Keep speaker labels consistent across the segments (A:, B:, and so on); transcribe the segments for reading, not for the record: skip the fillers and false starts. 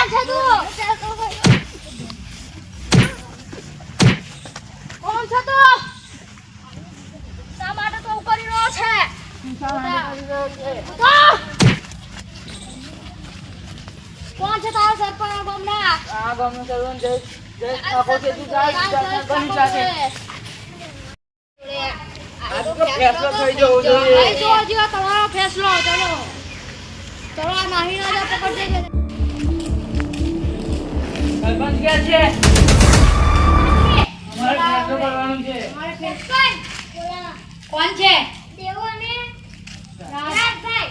A: કોણ છે તું? કોણ છે તું? શા માટે તો કરી રહ્યો છે? કોણ છે તારો સરપંચ ગામના?
B: આ ગામનો સરપંચ જય ઠાકોર છે. તું જા બની સાથે આ તો ફેસલો થઈ જવો જોઈએ.
A: ભાઈ જો હજી તમારો ફેસલો. ચલો ચલો આ નાહી ના જા પકડ દે.
B: સરપંચ ક્યાં છે? અમારે ફેસલો કરવાનું છે.
A: અમારે સરપંચ કોણ છે? દેવો અને રાજભાઈ.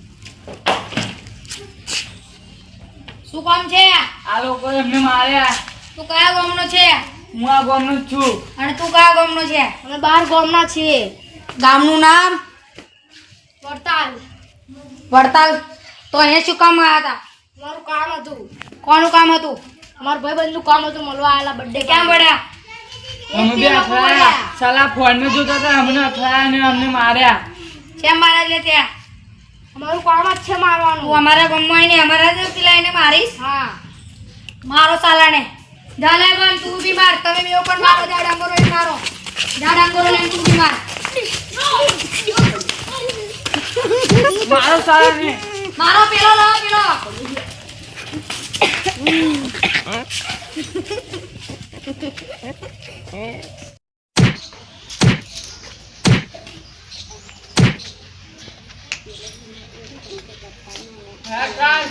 A: શું કામ છે?
B: આ લોકો એમને માર્યા.
A: તું કયા ગામનો છે?
B: હું આ ગામનો જ છું.
A: અને તું કયા ગામનો છે? અમે 12 ગામના છીએ. ગામનું નામ? વડતાલ. વડતાલ. તો અહીંયા શું કામ આવ્યા હતા? મારું કામ હતું. કોનું કામ હતું? અમારા ભાઈબંધનું કામ હતું. મળવા આવેલા બર્થડે. ક્યાં પડ્યા?
B: અમે બે અથડાયા. સાલા ફોનમાં જોતા હતા, અમને અથડાયા અને અમને માર્યા.
A: કેમ મારા લે ત્યાં? અમારું કામ જ છે મારવાનું. તું અમારા ગામમાં આવીને અમારા જ પેલા એને મારીશ? હા. મારો સાલાને. ઝાલે બન તું બી માર. તમે બેવ પણ મારો. જા ડાંગરો લઈને મારો. જા ડાંગરો લઈને તું બી માર.
B: મારો સાલા ને
A: મારો પેલો લો પેલો.
B: હા કાલ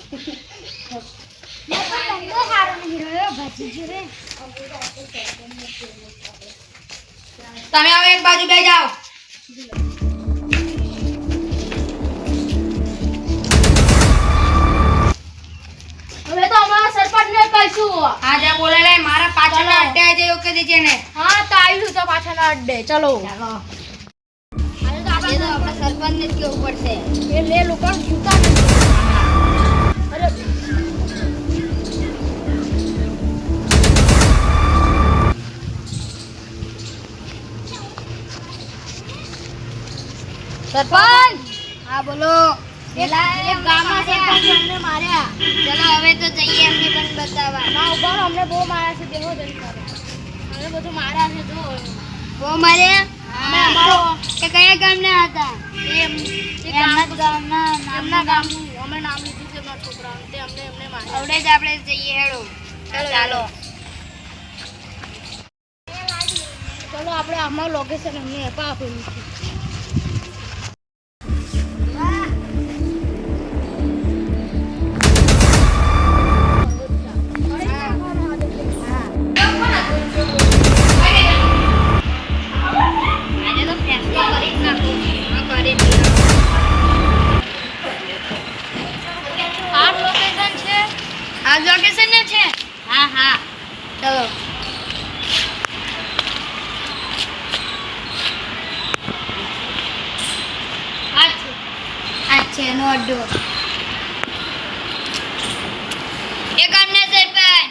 A: તમે હવે એક બાજુ બે જાઓ. હવે તો અમારા સરપંચને કહીશું. હા જા બોલે લે. મારા પાછળના અડ્ડે આવી જાય ઓકે દેજે ને. હા તો આવીશું તો પાછળના અડ્ડે. ચલો ચાલો. આજે તો આપણા સરપંચને જ કેવું પડશે. એ લે લોકો જૂતા નથી. અરે સરપંચ. હા બોલો. એક ગામના સરપંચ અમને માર્યા. ચલો હવે તો જઈએ એમને પણ બતાવવા. ના ઉભા રહો. અમને બહુ માર્યા છે. દેહો જલ્દી કરો. અમને બધું માર્યા છે. જો બહુ માર્યા. અમે અમારો એ કયા ગામના હતા? એમના ગામનું અમે નામ લીધું છે મારા છોકરાનું. તે એમને માર્યા. હવે જ આપણે જઈએ. હેડો ચાલો. ચલો આપણે આમાં લોકેશન અમને આપેલું છે. આ લોકેશન ને છે. હા હા ચલો. અચ્છા નો અડ્ડો. એ ગામના સરપંચ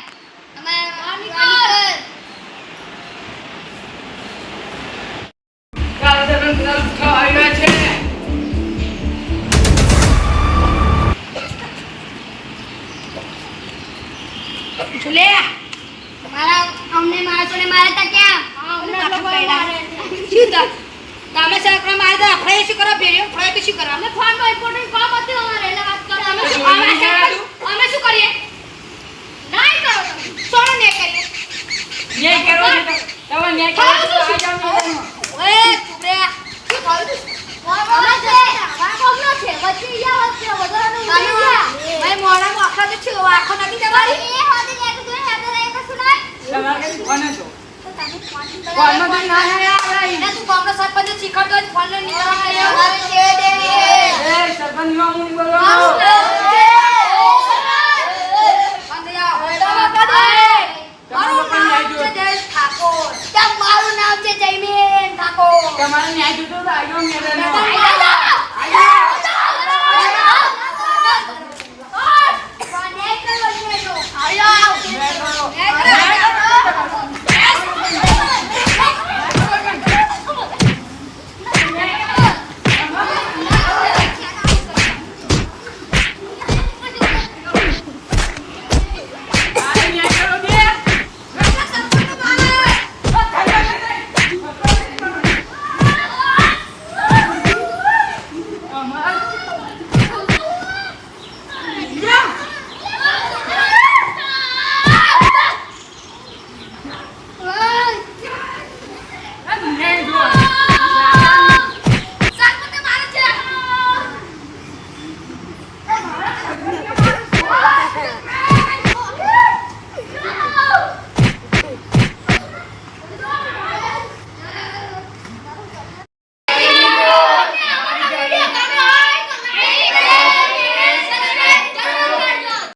B: કાલ સરપંચ આવ્યા છે.
A: લે મારા અમને માણસોને મારતા ક્યાં? અમને લોકો મારે શું તા તમે સકરા મારતા આપણે શું કરો ભેર્યો આપણે શું કરો? અમે ફોન માં ઇમ્પોર્ટન્ટ કામ હતું અમારે એટલે વાત કરો. અમે શું કરીએ? નહીં કરો સોનો ને કરીએ.
B: ન્યાય કરો તમે ન્યાય કરો તો આ જાવ.
A: ઓએ તુબે શું કહું? અમે છે વાકોનો છે વચ્ચે યા વચ્ચે વધારાનું ઉડ્યા. ભાઈ મોડામાં આખા તો છે આખો નથી તમારી. એ હોદી ને તો હેડે રહે તો સુનાય.
B: તમારે કોને છો?
A: તો તમે ફોન
B: કોણમાં તો ના હે આવડા.
A: એને તું ગામનો સરપંચ શીખડતો ફોન લઈને નીકળવા આવ્યો.
B: એ સરપંચ નો હું બોલો.
A: મારું નામ છે